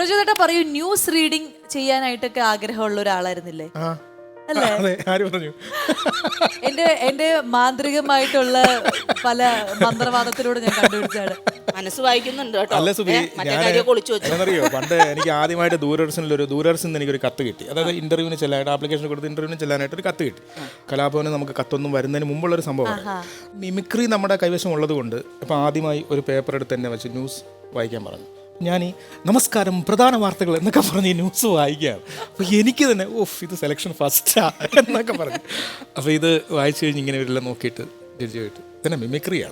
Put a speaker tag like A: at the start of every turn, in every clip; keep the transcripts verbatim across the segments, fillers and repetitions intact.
A: പ്രചോദേട്ടാ പറയൂ, news reading ചെയ്യാനായിട്ടൊക്കെ ആഗ്രഹമുള്ള ഒരാളായിരുന്നില്ലേ?
B: അതെ, ആര് പറഞ്ഞു?
A: എന്റെ എന്റെ മാന്ത്രികമായിട്ടുള്ള പല മന്ത്രവാദത്തിലൂടെ ഞാൻ കണ്ടുപിടിച്ചാണ്.
C: മനസ്സ് വായിക്കുന്നുണ്ട് കേട്ടോ.
B: അല്ല സുബി,
C: ഞാനറിയോ
B: പണ്ട് എനിക്ക് ആദ്യമായിട്ട് ദൂരദർശനിൽ ഒരു ദൂരദർശനിൽ എനിക്കൊരു കത്ത് കിട്ടി. അതായത് ഇന്റർവ്യൂവിന് ചെല്ലാനായിട്ട് ആപ്ലിക്കേഷൻ കൊടുത്ത് ഇന്റർവ്യൂവിന് ചെല്ലാനായിട്ട് ഒരു കത്ത് കിട്ടി. കലാഭവന് നമുക്ക് കത്തൊന്നും വരുന്നതിന് മുമ്പുള്ളൊരു സംഭവമാണ്. മിമിക്രി നമ്മുടെ കൈവശം ഉള്ളത് കൊണ്ട് ഇപ്പം ആദ്യമായി ഒരു പേപ്പർ എടുത്ത് തന്നെ വെച്ച് ന്യൂസ് വായിക്കാൻ പറഞ്ഞു. ഞാൻ ഈ നമസ്കാരം പ്രധാന വാർത്തകൾ എന്നൊക്കെ പറഞ്ഞ് ഈ ന്യൂസ് വായിക്കുകയാണ്. അപ്പോൾ എനിക്ക് തന്നെ ഓഫ് ഇത് സെലക്ഷൻ ഫസ്റ്റാ എന്നൊക്കെ പറഞ്ഞു. അപ്പോൾ ഇത് വായിച്ചു കഴിഞ്ഞ് ഇങ്ങനെ ഇവരെല്ലാം നോക്കിയിട്ട് ജഡ്ജിയായിട്ട് തന്നെ മിമിക്രിയാണ്.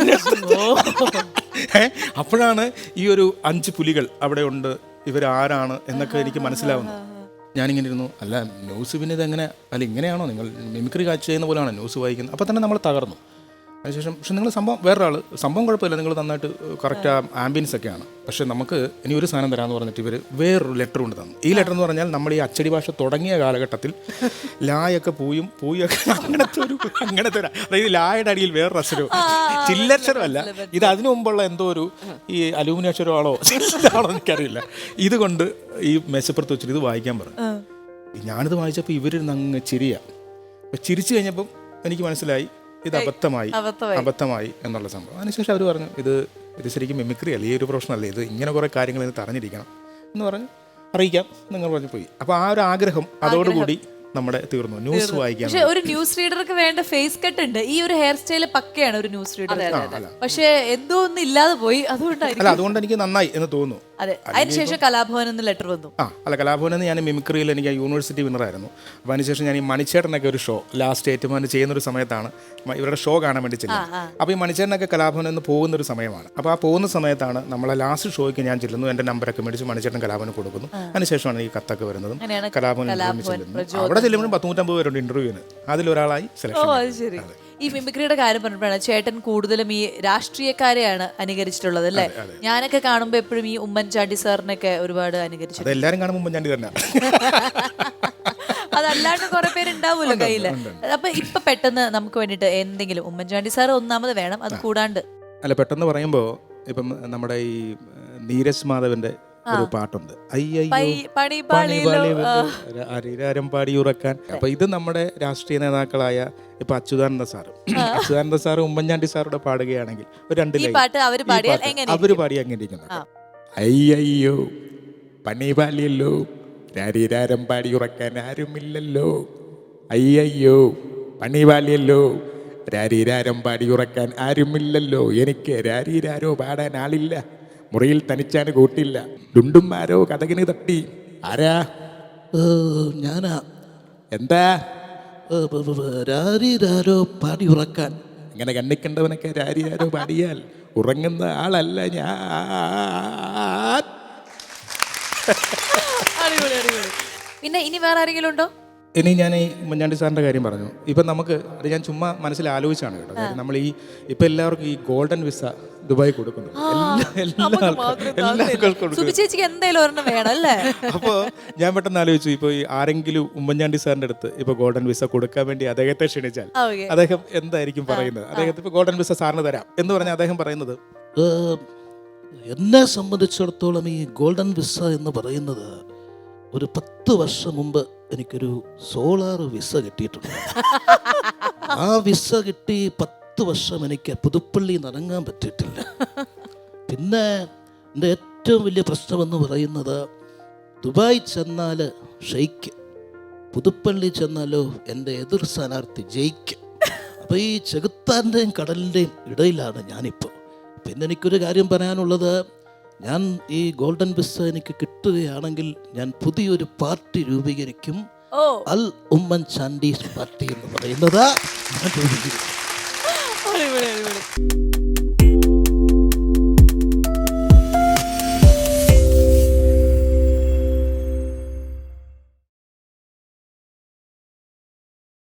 B: അപ്പോഴാണ് ഈ ഒരു അഞ്ച് പുലികൾ അവിടെ ഉണ്ട്, ഇവരാരാണ് എന്നൊക്കെ എനിക്ക് മനസ്സിലാവുന്നത്. ഞാനിങ്ങനെ ഇരുന്നു, അല്ല ന്യൂസ് പിന്നെ ഇതെങ്ങനെ, അല്ല ഇങ്ങനെയാണോ നിങ്ങൾ മിമിക്രി കാഴ്ച ചെയ്യുന്ന പോലെയാണോ ന്യൂസ് വായിക്കുന്നത്? അപ്പോൾ തന്നെ നമ്മൾ തകർന്നു. അതിനുശേഷം പക്ഷെ നിങ്ങൾ സംഭവം വേറൊരാൾ സംഭവം കുഴപ്പമില്ല, നിങ്ങൾ നന്നായിട്ട് കറക്റ്റ് ആ ആംബിയൻസ് ഒക്കെയാണ്. പക്ഷേ നമുക്ക് ഇനി ഒരു സാധനം തരാമെന്ന് പറഞ്ഞിട്ട് ഇവർ വേറൊരു ലെറ്റർ കൊണ്ട് തന്നു. ഈ ലെറ്റർ എന്ന് പറഞ്ഞാൽ നമ്മൾ ഈ അച്ചടി ഭാഷ തുടങ്ങിയ കാലഘട്ടത്തിൽ ലായൊക്കെ പൂയും പൂയൊക്കെ അങ്ങനത്തെ ഒരു അങ്ങനത്തെ ഒരു അതായത് ലായുടെ അടിയിൽ വേറൊരു അക്ഷരവും ചില്ലക്ഷരമല്ല, ഇത് അതിനു മുമ്പുള്ള എന്തോ ഒരു ഈ അലൂമിനിയം അക്ഷരമാണോ ആണോ എനിക്കറിയില്ല. ഇതുകൊണ്ട് ഈ മെച്ചപ്പുറത്ത് വെച്ചിട്ട് ഇത് വായിക്കാൻ പറഞ്ഞു. ഞാനിത് വായിച്ചപ്പോൾ ഇവരിരുന്ന് അങ്ങ് ചിരിയ. അപ്പം ചിരിച്ചു കഴിഞ്ഞപ്പം എനിക്ക് മനസ്സിലായി ഇത് അബദ്ധമായി അബദ്ധമായി എന്നുള്ള സംഭവം. അതിനുശേഷം അവർ പറഞ്ഞു ഇത് ഇത് ശരിക്കും മിമിക്രി അല്ല, ഈ ഒരു പ്രൊഫഷൻ അല്ലേ, ഇത് ഇങ്ങനെ കുറേ കാര്യങ്ങൾ ഇതിന് അറിഞ്ഞിരിക്കണം എന്ന് പറഞ്ഞ് അറിയിക്കാം നിങ്ങൾ പറഞ്ഞു പോയി. അപ്പോൾ ആ ഒരു ആഗ്രഹം അതോടുകൂടി നമ്മുടെ തീർന്നു. ന്യൂസ് വായിക്കാൻ.
A: പക്ഷെ ഒരു ന്യൂസ് റീഡർക്ക് വേണ്ട ഫേസ് കട്ട് ഉണ്ട്. ഈ ഒരു ഹെയർ സ്റ്റൈൽ പക്കയാണ് ഒരു ന്യൂസ് റീഡർ. പക്ഷെ എന്തോ ഒന്നും ഇല്ലാതെ പോയി. അതുകൊണ്ടായിരിക്കും.
B: അല്ല, അതുകൊണ്ട് എനിക്ക് നന്നായി എന്ന് തോന്നുന്നു.
A: അതെ, അതിനുശേഷം കലാഭവൻ എന്ന് ലെറ്റർ വന്നു.
B: ആ അല്ല, കലാഭവനിൽ നിന്ന് ഞാൻ മിമിക്രിയിൽ എനിക്ക് യൂണിവേഴ്സിറ്റി വിന്നറായിരുന്നു. അപ്പോൾ അതിനുശേഷം ഞാൻ ഈ മണിച്ചേട്ടനൊക്കെ ഒരു ഷോ ലാസ്റ്റ് ഏറ്റുമാൻ ചെയ്യുന്നൊരു സമയത്താണ് ഇവരുടെ ഷോ കാണാൻ വേണ്ടി ചെല്ലുന്നത്. അപ്പോൾ ഈ മണിച്ചേട്ടനൊക്കെ കലാഭവനിൽ നിന്ന് പോകുന്നൊരു സമയമാണ്. അപ്പോൾ ആ പോകുന്ന സമയത്താണ് നമ്മളെ ലാസ്റ്റ് ഷോയ്ക്ക് ഞാൻ ചെല്ലുന്നു. എൻ്റെ നമ്പറൊക്കെ മേടിച്ച് മണിച്ചേട്ടൻ കലാഭവന് കൊടുക്കുന്നു. അതിനുശേഷമാണ് ഈ കത്തൊക്കെ വരുന്നതും കലാഭവനിൽ ചെല്ലുന്നു. അവിടെ ചെല്ലുമ്പോൾ പത്തുനൂറ്റമ്പത് പേരുണ്ട് ഇന്റർവ്യൂവിന്, അതിലൊരാളായി സെലക്ഷൻ.
A: ഈ മിമിക്രിയുടെ കാര്യം പറഞ്ഞപ്പോഴാണ് ചേട്ടൻ കൂടുതലും ഈ രാഷ്ട്രീയക്കാരെയാണ് അനുകരിച്ചിട്ടുള്ളത് അല്ലേ? ഞാനൊക്കെ കാണുമ്പോൾ എപ്പോഴും ഈ ഉമ്മൻചാണ്ടി സാറിനൊക്കെ ഒരുപാട് അനുകരിച്ചു.
B: എല്ലാവരും കാണുമ്പോൾ ഉമ്മൻചാണ്ടി തന്നെ.
A: അതല്ലാണ്ട് കുറെ പേരുണ്ടാവുമല്ലോ കയ്യില്. അപ്പൊ ഇപ്പൊ പെട്ടെന്ന് നമുക്ക് വേണ്ടിട്ട് എന്തെങ്കിലും, ഉമ്മൻചാണ്ടി സാർ ഒന്നാമത് വേണം, അത് കൂടാണ്ട്
B: അല്ല പെട്ടെന്ന് പറയുമ്പോ ഇപ്പം നമ്മുടെ ഈ നീരജ് മാധവന്റെ ഒരു പാട്ടുണ്ട്, അരിരാരം പാടി ഉറക്കാൻ. അപ്പൊ ഇത് നമ്മുടെ രാഷ്ട്രീയ നേതാക്കളായ ഇപ്പൊ അച്യുതാനന്ദ സാറ് അച്യുതാനന്ദ സാറ് ഉമ്മൻചാണ്ടി സാറുടെ പാടുകയാണെങ്കിൽ ഒരു രണ്ട് ലൈൻ അവര് പാടി അങ്ങനെ ഇരിക്കുന്നത്, അയ്യോ പണി പാലിയല്ലോ രാരിരാരം പാടി ഉറക്കാൻ ആരുമില്ലല്ലോ, അയ്യോ പണി പാലിയല്ലോ രാരിരാരം പാടി ഉറക്കാൻ ആരുമില്ലല്ലോ, എനിക്ക് രാരിരാരോ പാടാൻ ആളില്ല, മുറിയിൽ തനിച്ചാണ് കൂട്ടില്ല, ഡുണ്ടുമാരോ കഥകിന് തട്ടി, ആരാ ഞാനാ, എന്താ രാരിരാരോ പാടി ഉറക്കാൻ. ഇങ്ങനെ കണ്ണിക്കണ്ടവനൊക്കെ രാരിരാരോ പാടിയാൽ ഉറങ്ങുന്ന ആളല്ല ഞാൻ.
A: പിന്നെ ഇനി വേറെ ആരെങ്കിലും ഉണ്ടോ?
B: ഇനി ഞാൻ ഈ ഉമ്മൻചാണ്ടി സാറിൻ്റെ കാര്യം പറഞ്ഞു. ഇപ്പം നമുക്ക് അത് ഞാൻ ചുമ്മാ മനസ്സിൽ ആലോചിച്ചാണ് കേട്ടോ. കാര്യം നമ്മൾ ഈ ഇപ്പം എല്ലാവർക്കും ഈ ഗോൾഡൻ വിസ ദുബായ് കൊടുക്കുന്നു. അപ്പോൾ ഞാൻ പെട്ടെന്ന് ആലോചിച്ചു, ഇപ്പോൾ ഈ ആരെങ്കിലും ഉമ്മൻചാണ്ടി സാറിൻ്റെ അടുത്ത് ഇപ്പോൾ ഗോൾഡൻ വിസ കൊടുക്കാൻ വേണ്ടി അദ്ദേഹത്തെ ക്ഷണിച്ചാൽ അദ്ദേഹം എന്തായിരിക്കും പറയുന്നത്? അദ്ദേഹത്തെ ഇപ്പോൾ ഗോൾഡൻ വിസ സാറിന് തരാം എന്ന് പറഞ്ഞാൽ അദ്ദേഹം പറയുന്നത്,
D: എന്നെ സംബന്ധിച്ചിടത്തോളം ഈ ഗോൾഡൻ വിസ എന്ന് പറയുന്നത് ഒരു പത്ത് വർഷം മുമ്പ് എനിക്കൊരു സോളാർ വിസ കിട്ടിയിട്ടുണ്ട്. ആ വിസ കിട്ടി പത്ത് വർഷം എനിക്ക് പുതുപ്പള്ളി നിറങ്ങാൻ പറ്റിയിട്ടില്ല. പിന്നെ എൻ്റെ ഏറ്റവും വലിയ പ്രശ്നമെന്ന് പറയുന്നത് ദുബായ് ചെന്നാൽ ഷെയ്ക്ക്, പുതുപ്പള്ളി ചെന്നാലോ എൻ്റെ എതിർ സ്ഥാനാർത്ഥി ജയിക്ക്. അപ്പോൾ ഈ ചെകുത്താൻ്റെയും കടലിൻ്റെയും ഇടയിലാണ് ഞാനിപ്പോൾ. പിന്നെ എനിക്കൊരു കാര്യം പറയാനുള്ളത്, ഞാൻ ഈ ഗോൾഡൻ വിസ എനിക്ക് കിട്ടുകയാണെങ്കിൽ ഞാൻ പുതിയൊരു പാർട്ടി രൂപീകരിക്കും. അൽ ഉമ്മൻചാണ്ടി പാർട്ടി എന്ന് പറയുന്നത് ഞാൻ രൂപീകരിക്കും.